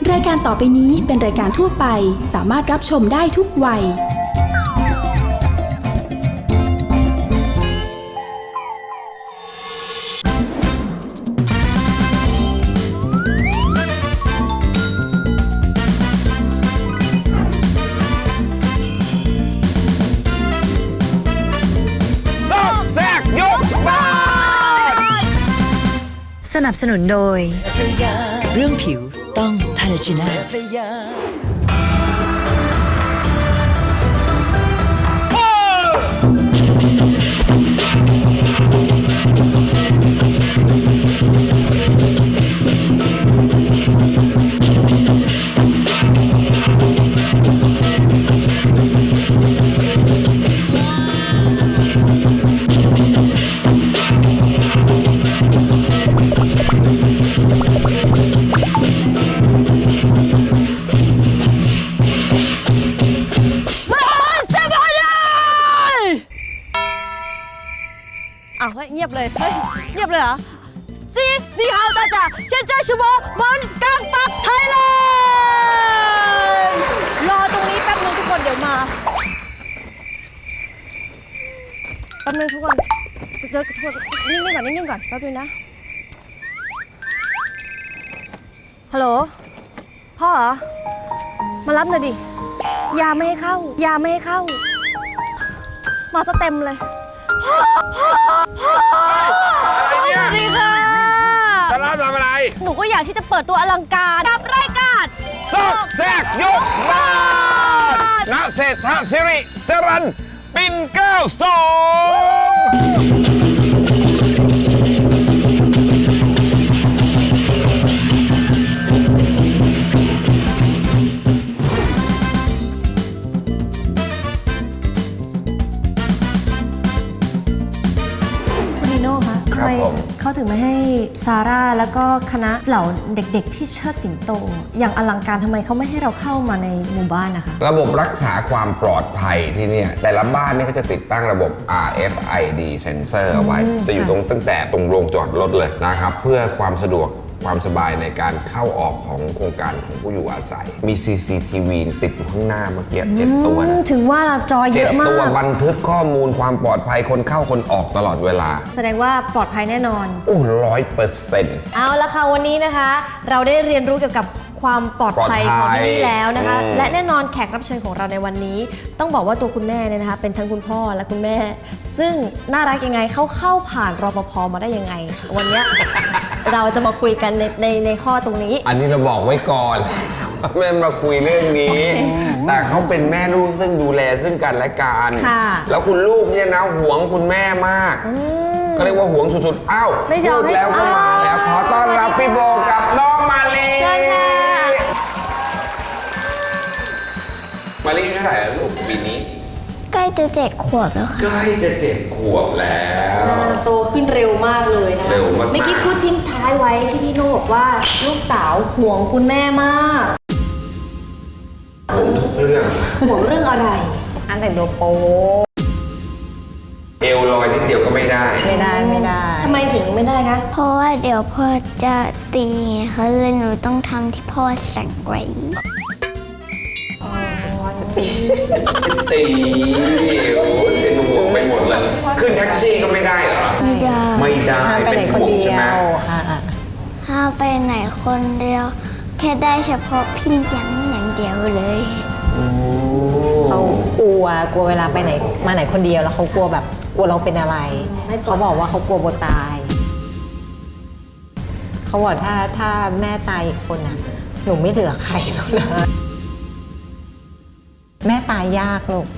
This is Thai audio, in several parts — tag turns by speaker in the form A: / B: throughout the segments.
A: รายการต่อไปนี้เป็นรายการทั่วไปสามารถรับชมได้ทุกวัย
B: สนับสนุนโดยเรื่องผิวต้องทาเลจิน่า
C: เฮ้ยเงียบเลยเฮ้ยเงียบเลยเหรอ你好大家现在是我们刚ปักไทยแลนด์รอตรงนี้แป๊บนึงทุกคนเดี๋ยวมาแป๊บนึงทุกคนเดี๋ยวนิ่งๆก่อนแป๊บนึงนะฮัลโหลพ่อเหรอมารับหน่อยดิยาไม่ให้เข้ามาซะเต็มเลยอะไรเนี่ยสวัสดีค่ะ
D: จะรับทำอะไร
C: หนูก็อยากที่จะเปิดตัวอลังการกับรายการ
D: ซอกแซกยกบ้านณเศรษฐศิริจรัญปิ่น92
E: ทำไมเขาถึงไม่ให้ซาร่าแล้วก็คณะเหล่าเด็กๆที่เชิดสิงโตอย่างอลังการทำไมเขาไม่ให้เราเข้ามาในหมู่บ้านนะคะ
D: ระบบรักษาความปลอดภัยที่นี่แต่ละบ้านนี่เขาจะติดตั้งระบบ RFID sensor เอาไว้จะอยู่ตั้งแต่ตรงโรงจอดรถเลยนะครับเพื่อความสะดวกความสบายในการเข้าออกของโครงการของผู้อยู่อาศัยมี CCTV ติดอยู่ข้างหน้าเมื่อกี้7 ตัวนะ
E: ถึงว่าเราจอเยอะมาก
D: 7 ตัวบันทึกข้อมูลความปลอดภัยคนเข้าคนออกตลอดเวลา
E: แสดงว่าปลอดภัยแน่นอน
D: โอ้100%
E: เอาละค่ะวันนี้นะคะเราได้เรียนรู้เกี่ยวกับความปลอดภัยของที่นี่แล้วนะคะและแน่นอนแขกรับเชิญของเราในวันนี้ต้องบอกว่าตัวคุณแม่เนี่ยนะคะเป็นทั้งคุณพ่อและคุณแม่ซึ่งน่ารักยังไงเข้าผ่านรปภมาได้ยังไงวันนี้ เราจะมาคุยกันในข้อตรงนี้
D: อันนี้เราบอกไว้ก่อนแม่มาคุยเรื่องนี้แต่เขาเป็นแม่ลูกซึ่งดูแลซึ่งกันและกันแล้วคุณลูกเนี่ยนะหวงคุณแม่มากก็เรียกว่าหวงสุดๆอ้าวพูดแล้วก็มาแล้วขอต้อนรับพี่โบกับน้องมาลีมาลีเท่าไหร่แล้วลูกปีนี้
F: ใกล้จะ7 ขวบแล้วค่ะ
D: ใกล้จะ7 ขวบแล้ว
E: โตขึ้นเร็วมากเลยนะ
D: เร็วมาก
E: เมื่อกี้พูดทิ้งท้ายไว้ที่พี่โน่บอกว่าลูกสาวห่วงคุณแม่มาก
D: ห่วงทุกเรื่อง
E: ห่วงเรื่องอะไรอันแต่งตัวโป๊
D: เอวลอยนิดเดียวก็ไม่ได้
E: ทำไมถึงไม่ได้คะ
F: เพราะว่าเดี๋ยวพ่อจะตีไงคะเลยหนูต้องทำที่พ่อสั่งไว้
D: ตีโอ้เป็นห่วงไปหมดเลยขึ้นแท็กซี่ก็ไม่ได้เหรอไม่ได้
E: ไปไหนคนเดียว
F: ถ้าไปไหนคนเดียวแค่ได้เฉพาะพี่อย่างเดียวเลย
G: เขากลัวเวลาไปไหนมาไหนคนเดียวแล้วเขากลัวเราเป็นอะไรเขาบอกว่าเขากลัวโบตายเขาบอกถ้าแม่ตายอีกคนน่ะหนูไม่เหลือใครแล้วนะแม่ตายยากลูก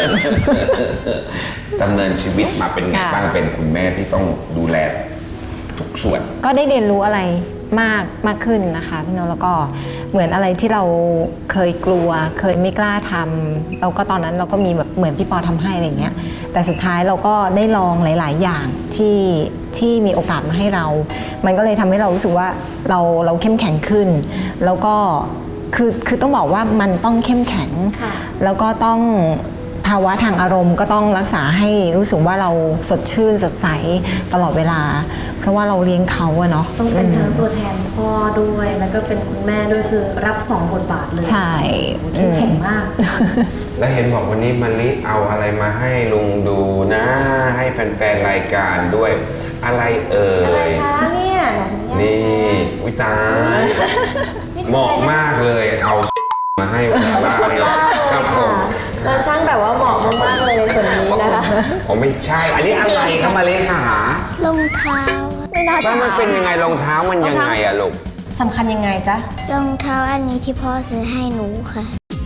D: ดำเนินชีวิตมาเป็นไงบ้างเป็นคุณแม่ที่ต้องดูแลทุกส่วน
G: ก็ได้เรียนรู้อะไรมากขึ้นนะคะพี่โนแล้วก็เหมือนอะไรที่เราเคยกลัวเคยไม่กล้าทำเราก็ตอนนั้นเราก็มีแบบเหมือนพี่ปอทำให้อะไรเงี้ยแต่สุดท้ายเราก็ได้ลองหลายๆอย่างที่มีโอกาสมาให้เรามันก็เลยทำให้เรารู้สึกว่าเราเข้มแข็งขึ้นแล้วก็คือต้องบอกว่ามันต้องเข้มแข็งแล้วก็ต้องภาวะทางอารมณ์ก็ต้องรักษาให้รู้สึกว่าเราสดชื่นสดใสตลอดเวลาเพราะว่าเราเลี้ยงเขาอะเนาะ
E: ต้องเป็นทั้งตัวแทนพ่อด้วยแล้วก็เป็นคุณแม่ด้วยคือรับ2 บทบาทเลย
G: ใช่
E: เข้มแข็งมาก
D: แล้วเห็นบอกวันนี้มะลิเอาอะไรมาให้ลุงดูนะ ให้แฟนๆรายการด้วย อะไรเอ่
E: อะไร
D: ย
E: คะเนี่ยไหน
D: นี่วิตายเหมาะมากเลยเอามาให้บ้านเลยครับผม
E: มันช่างแบบว่าเหมาะมากๆเลยในส่วนนี้นะคะ
D: ผมไม่ใช่ อันนี้อะไรครับมะลิค่ะ
F: รองเท้า
E: ไม่น่า
D: แล้วมันเป็นยังไงรองเท้ามันยังไงอะลูก
E: สำคัญยังไงจ๊ะ
F: รองเท้าอันนี้ที่พ่อซื้อให้หนูค่ะ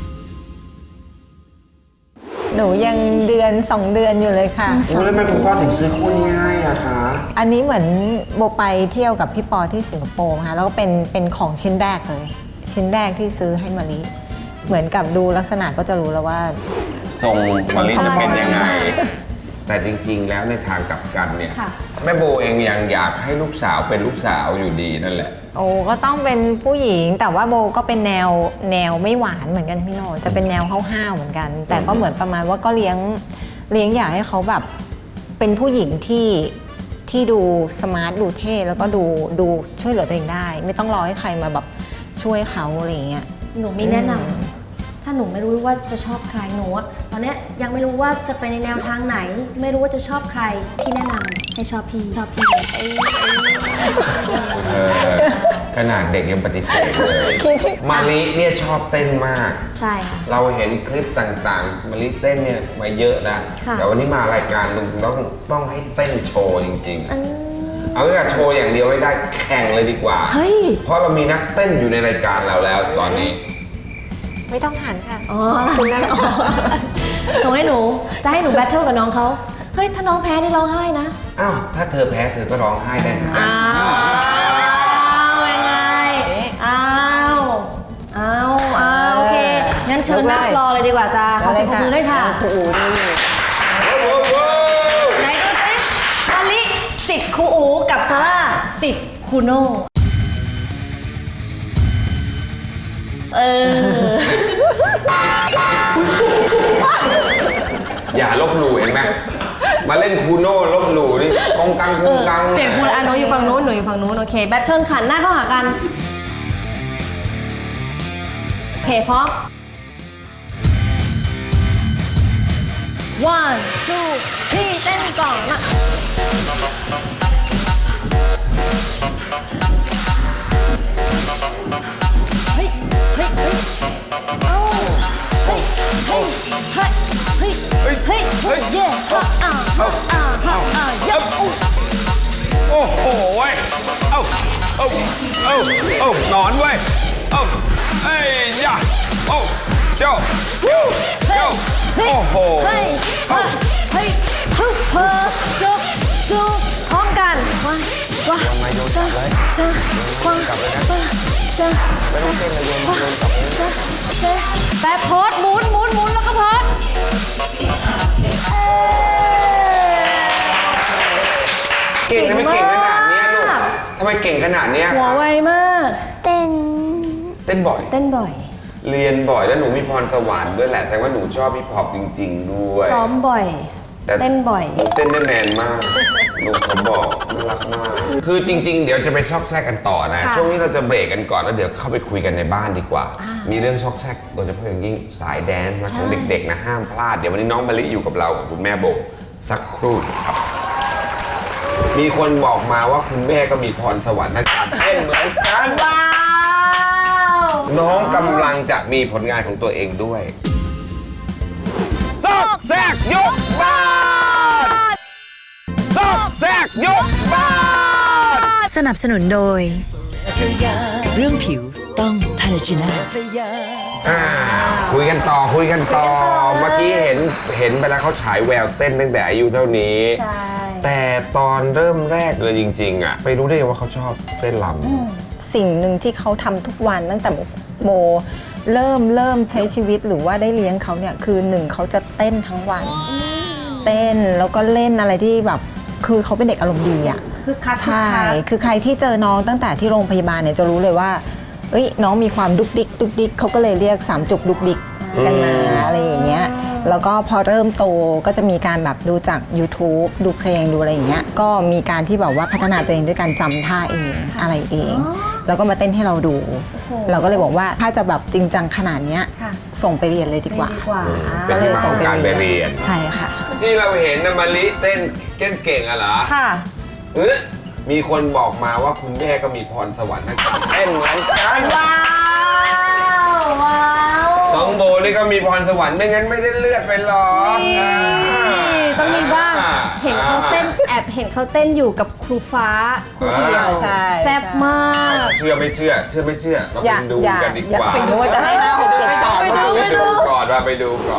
G: หนูยังเดือน 2 เดือนอยู่เลยค่ะ
D: แล้วทำไมคุณพ่อถึงซื้อคู่นี้ให้อะคะ
G: อันนี้เหมือนโบไปเที่ยวกับพี่ปอที่สิงคโปร์ค่ะแล้วก็เป็นของชิ้นแรกเลย ชิ้นแรกที่ซื้อให้มะลิเหมือนกับดูลักษณะก็จะรู้แล้วว่า
D: ทรงมะลิจะเป็นยังไง แต่จริงๆ แล้วในทางกลับกันเนี่ย
E: ค่ะ
D: แม่โบเองยังอยากให้ลูกสาวเป็นลูกสาวอยู่ดีนั่นแหละ
G: โอ้ก็ต้องเป็นผู้หญิงแต่ว่าโบก็เป็นแนวไม่หวานเหมือนกันพี่โนจะเป็นแนวห้าวๆเหมือนกัน แต่ก็เหมือนประมาณว่าก็เลี้ยงอยากให้เขาแบบเป็นผู้หญิงที่ดูสมาร์ทดูเท่แล้วก็ดูช่วยเหลือตัวเองได้ ไม่ต้องรอให้ใครมาแบบช่วยเขาอะไรอย่างเงี้ย
E: หนูมีแนะนำถ้าหนูไม่รู้ว่าจะชอบใครหนูอะตอนเนี้ยยังไม่รู้ว่าจะไปในแนวทางไหน ไม่รู้ว่าจะชอบใครพี่แนะนำให้ชอบพี่
D: ขนาดเด็กยังปฏิเสธเลยมาลิเนี่ยชอบเต้นมาก
E: ใช่ค่ะ
D: เราเห็นคลิปต่างๆมาลิเต้นเนี่ยมาเยอะนะ
E: ค่ะ
D: แต่วันนี้มารายการลุงต้องให้เต้นโชว์จริงๆ เอาแค่โชว์อย่างเดียวไม่ได้แข่งเลยดีกว่า
E: เฮ้ย
D: เพราะเรามีนักเต้นอยู่ในรายการเราแล้วตอนนี้
G: ไม่ต้องหันค่ะ
E: อ๋อคุณนั่นอ๋อส่งให้หนูจะให้หนูแบทเทิลกับน้องเขาเฮ้ยถ้าน้องแพ้นี่ร้องไห้นะ
D: อ้าวถ้าเธอแพ้เธอก็ร้องไห้ได้เหมือนกัน
E: ยังไงโอเคงั้นเชิญหน้าฟลอร์เลยดีกว่าจ้าขอเสียงปรบมือด้วยค่ะ
G: ครูอูนี่
E: ไหนดูสิมาลิสิทธิ์ครูอูกับซาร่าสิทธิ์ครูโน่
D: อย่าลบหลู่เห็นไหมมาเล่นคูโน่ลบหลู่นี่กองกัง
E: เปลี่ยนคุณหนูอยู่ฝั่งนู้นหนูอยู่ฝั่งนู้นโอเคแบทเทิลขันหน้าเข้าหากันโอเคพร้อม one two three เต้นก่อนนะเฮ้ยเอาเฮ้ยเย่ยับ
D: โอ้โหเว้ยเอ้านอนเว้ยเอ้ยย่าเจ้าโอ้โห
E: เฮ้ยฮึบเพอจุกพร้อมกันว้าชาแบบโพสหมุนแล้วก็โพส
D: เก่งทำไมเก่งขนาดเนี้ยลูกทำไมเก่งขนาดเนี้ย
E: หัวไวมาก
F: เต้น
D: เต้นบ่อย
E: เต้นบ่อย
D: เรียนบ่อยแล้วหนูมีพรสวรรค์ด้วยแหละแสดงว่าหนูชอบฮิปฮอปจริงๆด้วย
E: ซ้อมบ่อย
D: แต่
E: เต้นบ่อย
D: หนูเต้นได้แมนมากลูกเขาบอกน่ารักมาก คือจริง ๆ เดี๋ยวจะไปซอกแซกกันต่อนะ
E: ค่ะ
D: ช่วงนี้เราจะเบรกกันก่อนแล้วเดี๋ยวเข้าไปคุยกันในบ้านดีกว่า มีเรื่องซอกแซกโดยเฉพาะอย่างยิ่งสายแดนซ์นะของเด็กๆนะห้ามพลาดเดี๋ยววันนี้น้องมะลิอยู่กับเรากับคุณแม่โบสักครู่ครับ มีคนบอกมาว่าคุณแม่ก็มีพรสวรรค์ทางการเต้นเหมือนกัน
E: ว้าว
D: น้องกำลังจะมีผลงานของตัวเองด้วยซอกแซกยกบ้านซอกแซกยกบ้าน
B: สนับสนุนโดย เรื่องผิวต้องทาราจิน่า
D: คุยกันต่อเมื่อกี้เห็นไปแล้วเขาฉายแววเต้นตั้งแต่อายุเท่านี้
E: ใช่
D: แต่ตอนเริ่มแรกเลยจริงๆอ่ะไปรู้ได้ยังว่าเขาชอบเต้นรำ
G: สิ่งหนึ่งที่เขาทำทุกวันตั้งแต่โบเริ่มใช้ชีวิตหรือว่าได้เลี้ยงเขาเนี่ยคือหนึ่งเขาจะเต้นทั้งวัน เต้นแล้วก็เล่นอะไรที่แบบคือเขาเป็นเด็กอารมณ์ดีอ่ะ
E: คือคัก
G: ใช่คือใครที่เจอน้องตั้งแต่ที่โรงพยาบาลเนี่ยจะรู้เลยว่าเอ้ยน้องมีความดุกดิกเขาก็เลยเรียก3 จุกดุกดิกกันมาอะไรอย่างเงี้ยแล้วก็พอเริ่มโตก็จะมีการแบบดูจาก YouTube ดูเพลงดูอะไรอย่างเงี้ยก็มีการที่แบบว่าพัฒนาตัวเองด้วยการจำท่าเองอะไรเอง แล้วก็มาเต้นให้เราดู เราก็เลยบอกว่าถ้าจะแบบจริงจังขนาดเนี้ยส่งไปเรียนเลยดีกว่า
D: เป็นที่มาของการไปเรียน
G: ใช่ค่ะ
D: ที่เราเห็นนะมะลิเต้นเก่งอะเหรอ
E: ค่ะ
D: มีคนบอกมาว่าคุณแม่ก็มีพรสวรรค์ทางการเต้นเหมือนกัน
E: ว้าวว้าว
D: น้องโบนี่ก็มีพรสวรรค์ไม่งั้นไม่ได้เลือดไปหรอก
E: ต้องมีบ้างเห็นเขาเต้นแอบเห็นเขาเต้นอยู่กับครูฟ้าครูเดียว
G: ใช่
E: แซ่บมาก
D: เชื่อไม่เชื่อเราไปดูกันดีกว่า
G: ไปดูว่าจะให้5 6 7 8
D: ไปดูก่อนไปดูก่อน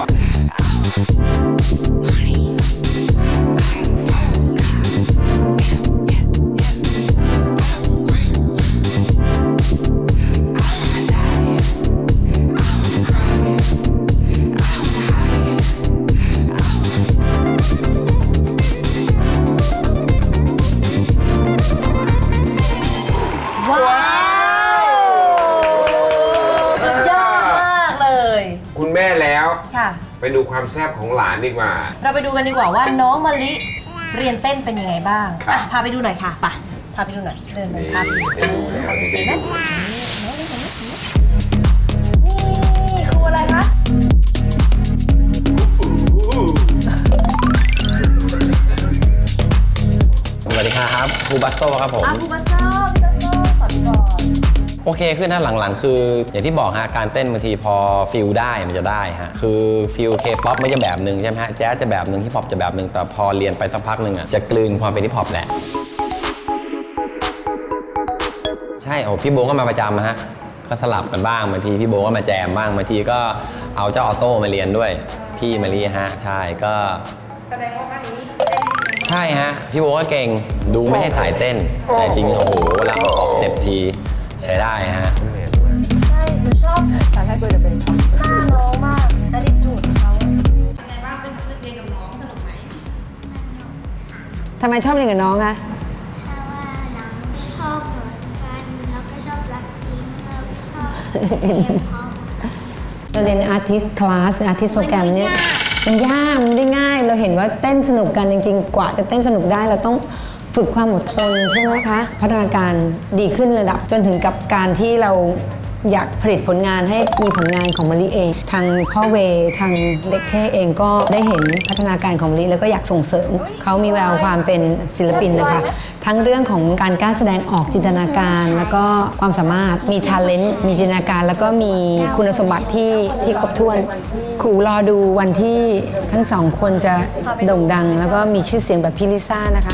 E: สุดยอดมากเลย
D: คุณแม่แล้ว
E: ค่ะ
D: ไปดูความแซ่บของหลานดีกว่า
E: เราไปดูกันดีกว่าว่าน้องมะลิเรียนเต้นเป็นยังไงบ้าง
D: ครับ
E: พาไปดูหน่อยค่ะไปพาไปดูหน่อยเดินไป
D: นี่
E: ครับ
D: ได้ดูแล้วได้ดู
E: นี่ครูอะไรคะ
H: สวัสดีครับครูบัสโซครับผม
E: ครูบัสโซ่พี่บัสโซ่สอนก่อน
H: โอเคขึ้นนะหลังๆ คืออย่างที่บอกฮะการเต้นบางทีพอฟิลได้มันจะได้ฮะคือฟิลเคป๊อปมันจะแบบหนึ่งใช่ไหมฮะแจ๊สจะแบบหนึ่งฮิปฮอปจะแบบหนึ่งแต่พอเรียนไปสักพักหนึ่งอ่ะจะกลืนความเป็นฮิปฮอปแหละใช่โอ้พี่โบก็มาประจำฮะก็สลับกันบ้างบางทีพี่โบก็มาแจมบ้างบางทีก็เอาเจ้าออโต้มาเรียนด้วยพี่มารีฮะใช่ก็ใช่ฮะพี่โบก็เก่งดูไม่ให้สายเต้นแต่จริงโอ้โหเวลาออกสเต็ปทีใช้ได้ฮะ
E: ใช่หนูชอบ
G: ตอนแรกกูจะเป็นท็อป
E: หน้าน้องมากและดิจูดเขา
I: ทำไมชอบเรียนกับน้องคะ
F: เพราะว่าน้องชอบเหมือนกันแล้วก็ชอบรักพิงแล้วก็ชอบเรียนพร้อม
I: เราเรียน artist class artist program เนี่ยมันยากมันไม่ได้ง่าย เราเห็นว่าเต้นสนุกกันจริงๆ กว่าจะเต้นสนุกได้เราต้องฝึกความอดทนใช่ไหมคะ พัฒนาการดีขึ้นระดับจนถึงกับการที่เราอยากผลิตผลงานให้มีผลงานของมะลิเอง ทางพ่อเวทางเล็กเท่เองก็ได้เห็นพัฒนาการของมะลิแล้วก็อยากส่งเสริมเขามีแววความเป็นศิลปินนะคะ ทั้งเรื่องของการกล้าแสดงออกจินตนาการ แล้วก็ความสามารถมี talent มีจินตนาการ แล้วก็มีคุณสมบัติที่ครบถ้วนครูรอดูวันที่ทั้งสองคนจะโด่งดัง แล้วก็มีชื่อเสียงแบบพี่ลิซ่านะคะ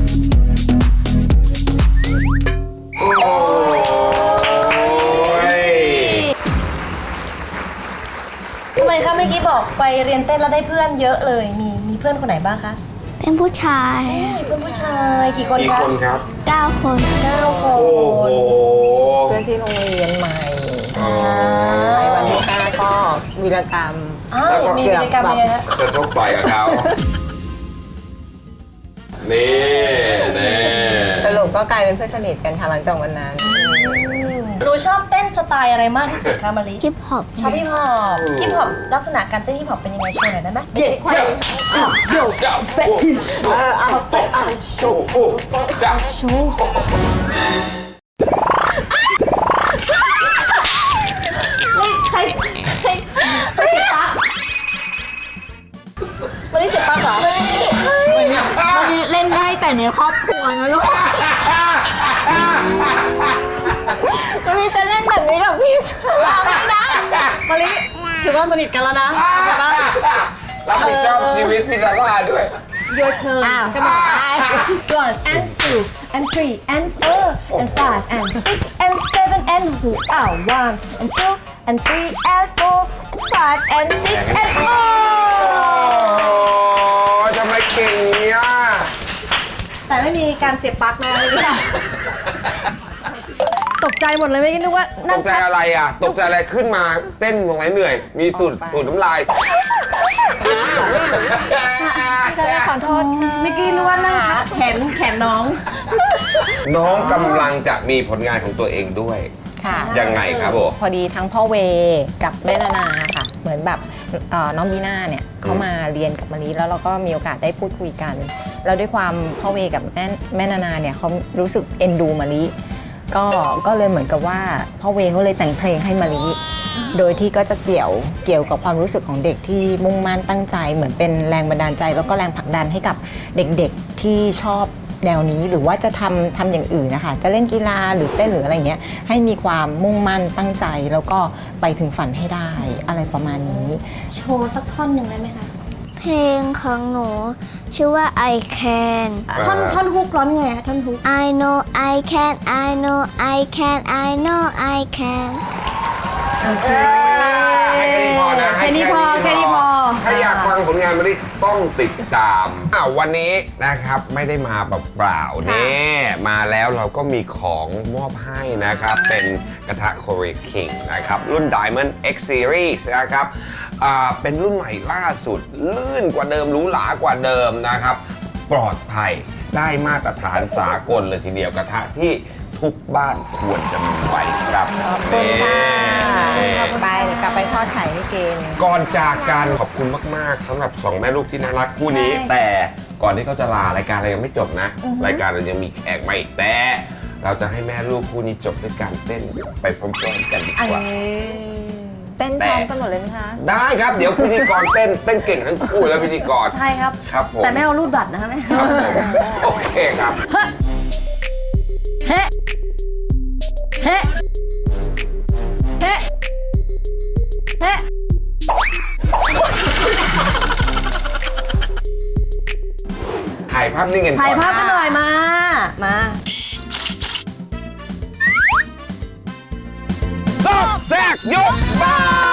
E: ทำไมคะเมื่อกี้บอกไปเรียนเต้นแล้วได้เพื่อนเยอะเลย มีเพื่อนคนไหนบ้างคะ
F: เป็นผู้ชาย
E: เพื่อนผู้ชายกี่คน
D: กี่
E: คะ
D: คนครับ
F: 9 คน
E: 9 คน
D: โอ้โห
G: เพื่อนที่โรงเรียนใหม่ในวันที่5ก็วีรกรรม
E: อ้าวมีกิจกรรมยังไงคะ
D: จะชกต่อยกับเขา นี่
G: สรุปก็กลายเป็นเพื่อนสนิทกันค่ะหลังจากวันนั้น
E: หนูชอบเต้นสไตล์อะไรมากที่สุดคะมะลิ
F: ฮิปฮอป
E: ชอบฮิปฮอปฮิปฮอปลักษณะการเต้นฮิปฮอปเป็นยังไงโชว์หน่อยได้ไหมเด็กควาย
D: เจ้าเป็ดโชว์เจ้า
E: ใครเสียปั๊กมะลิเสียปั๊กเหรอ
C: วันนี้เล่นได้แต่ในครอบครัวนะลูกวันนี้จะเล่นแบบนี้กับพี่ไม่ได้
E: มะลิถือว่าสนิทกันแล้วนะใช่ปะ
D: รับผิดชอบชีวิตพี่ซาร่าด้วย
E: Your turn come on 1 and 2 and 3 and 4 and 5 and 6 and 7 and 1 and 2 and 3 and 4 5 and 6 and
D: โอ้ทำไมเก่งเนี่ย
E: แต่ไม่มีการเสียบปลั๊กนะตกใจหมดเลยไม่คิดนึกว่า
D: ต
E: นั่ง
D: กใจอะไรอ่ะ ตกใจอะไรขึ้นมาเต้นตรงไหนเหนื่อย มีสูตรน้ำลาย
G: ขอโทษค่ะ
E: เมื่อกี้นึกว่านั่งทับแขนน้อง
D: น้องกำลังจะมีผลงานของตัวเองด้วย
G: ค่ะ
D: ยังไงครับผม
G: พอดีทั้งพ่อเวกับแม่นานาค่ะ เหมือนแบบน้องบีน่าเนี่ยเขามาเรียนกับมะลิแล้วเราก็มีโอกาสได้พูดคุยกันแล้วด้วยความพ่อเวกับแม่นานาเนี่ยเขารู้สึกเอ็นดูมะลิก็เลยเหมือนกับว่าพ่อเวเขาเลยแต่งเพลงให้มะลิโดยที่ก็จะเกี่ยวกับความรู้สึกของเด็กที่มุ่งมั่นตั้งใจเหมือนเป็นแรงบันดาลใจแล้วก็แรงผลักดันให้กับเด็กๆที่ชอบแนวนี้หรือว่าจะทำอย่างอื่นนะคะจะเล่นกีฬาหรือเต้นหรืออะไรเงี้ยให้มีความมุ่งมั่นตั้งใจแล้วก็ไปถึงฝันให้ได้อะไรประมาณนี้
E: โชว์สักท่อนหนึ่งได้ไหมคะ
F: เพลงของหนูชื่อว่า I Can
E: ท่อนฮุกร้อนไงคะท่อนฮุก
F: I know I can I know I can I know I can
C: แค่นี้พอ
D: ถ้าอยากฟังผลงานมาดิต้องติดตามวันนี้นะครับไม่ได้มาเปล่าๆนี่มาแล้วเราก็มีของมอบให้นะครับเป็นกระทะ Korea King นะครับรุ่น Diamond X Series นะครับเป็นรุ่นใหม่ล่าสุดลื่นกว่าเดิมหรูหรากว่าเดิมนะครับปลอดภัยได้มาตรฐานสากลเลยทีเดียวกระทะที่ทุกบ้านควรจะมีไว้ครับ
G: ขอบคุณค่ะไปเดี๋ยวกลับไปทอดไข่ให้กิน
D: ก่อนจากกันขอบคุณมากๆสำหรับสองแม่ลูกที่น่ารักคู่นี้ แต่ก่อนที่เขาจะลารายการเรายังไม่จบนะ รายการเรายังมีแขกมาอีกแต่เราจะให้แม่ลูกคู่นี้จบด้วยการเต้นไปพร้อมๆกันดีกว่า
G: เต้นพร้อมกันหมดเลยไหมคะ
D: ได้ครับเดี๋ยวพิธีกรเต้นเก่งทั้งคู่แล้วพิธีกร
E: ใช่ครับ
D: ครับผม
E: แต่ไม่เอารูดบัตรนะคะแม่
D: ครับผมโอเคครับ
C: เฮ้เฮ้เฮ้เฮ้
D: ถ่ายภาพนิ่งกันก่อน
C: ถ่ายภาพกันหน่อยมา
D: ซอกแซกยกบ้าน